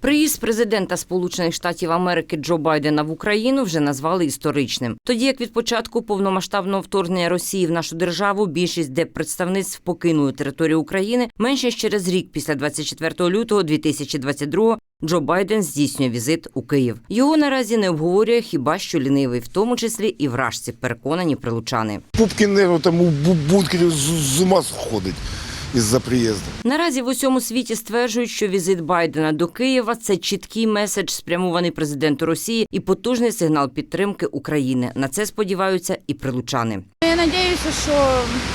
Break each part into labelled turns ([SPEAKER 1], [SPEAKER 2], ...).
[SPEAKER 1] Приїзд президента Сполучених Штатів Америки Джо Байдена в Україну вже назвали історичним. Тоді як від початку повномасштабного вторгнення Росії в нашу державу більшість диппредставництв покинули територію України, менше ніж через рік після 24 лютого 2022 Джо Байден здійснює візит у Київ. Його наразі не обговорює хіба що лінивий, в тому числі і вражці, переконані прилучани.
[SPEAKER 2] Пупкін там у бункері з ума сходить із-за приїзду.
[SPEAKER 1] Наразі в усьому світі стверджують, що візит Байдена до Києва – це чіткий меседж, спрямований президенту Росії, і потужний сигнал підтримки України. На це сподіваються і прилучани.
[SPEAKER 3] Я сподіваюся, що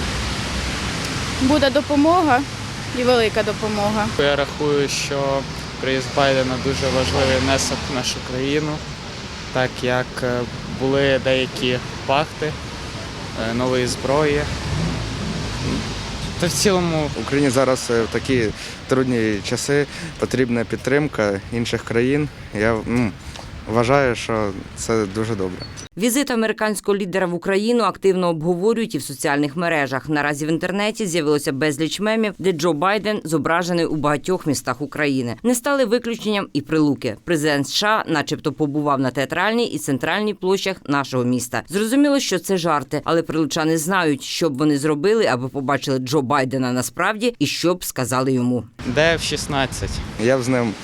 [SPEAKER 3] буде допомога і велика допомога.
[SPEAKER 4] Я рахую, що приїзд Байдена дуже важливий внесок в нашу країну, так як були деякі пакти нової зброї. Та в цілому
[SPEAKER 5] Україні зараз в такі трудні часи потрібна підтримка інших країн. Я вважаю, що це дуже добре.
[SPEAKER 1] Візит американського лідера в Україну активно обговорюють і в соціальних мережах. Наразі в інтернеті з'явилося безліч мемів, де Джо Байден зображений у багатьох містах України. Не стали виключенням і Прилуки. Президент США начебто побував на Театральній і Центральній площах нашого міста. Зрозуміло, що це жарти, але прилучани знають, що б вони зробили, аби побачили Джо Байдена насправді і що б сказали йому.
[SPEAKER 4] де в 16.
[SPEAKER 5] Я б з ним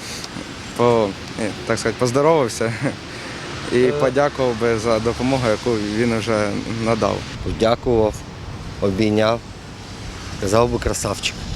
[SPEAKER 5] поздоровався і подякував би за допомогу, яку він вже надав.
[SPEAKER 6] Подякував, обійняв, казав би красавчик.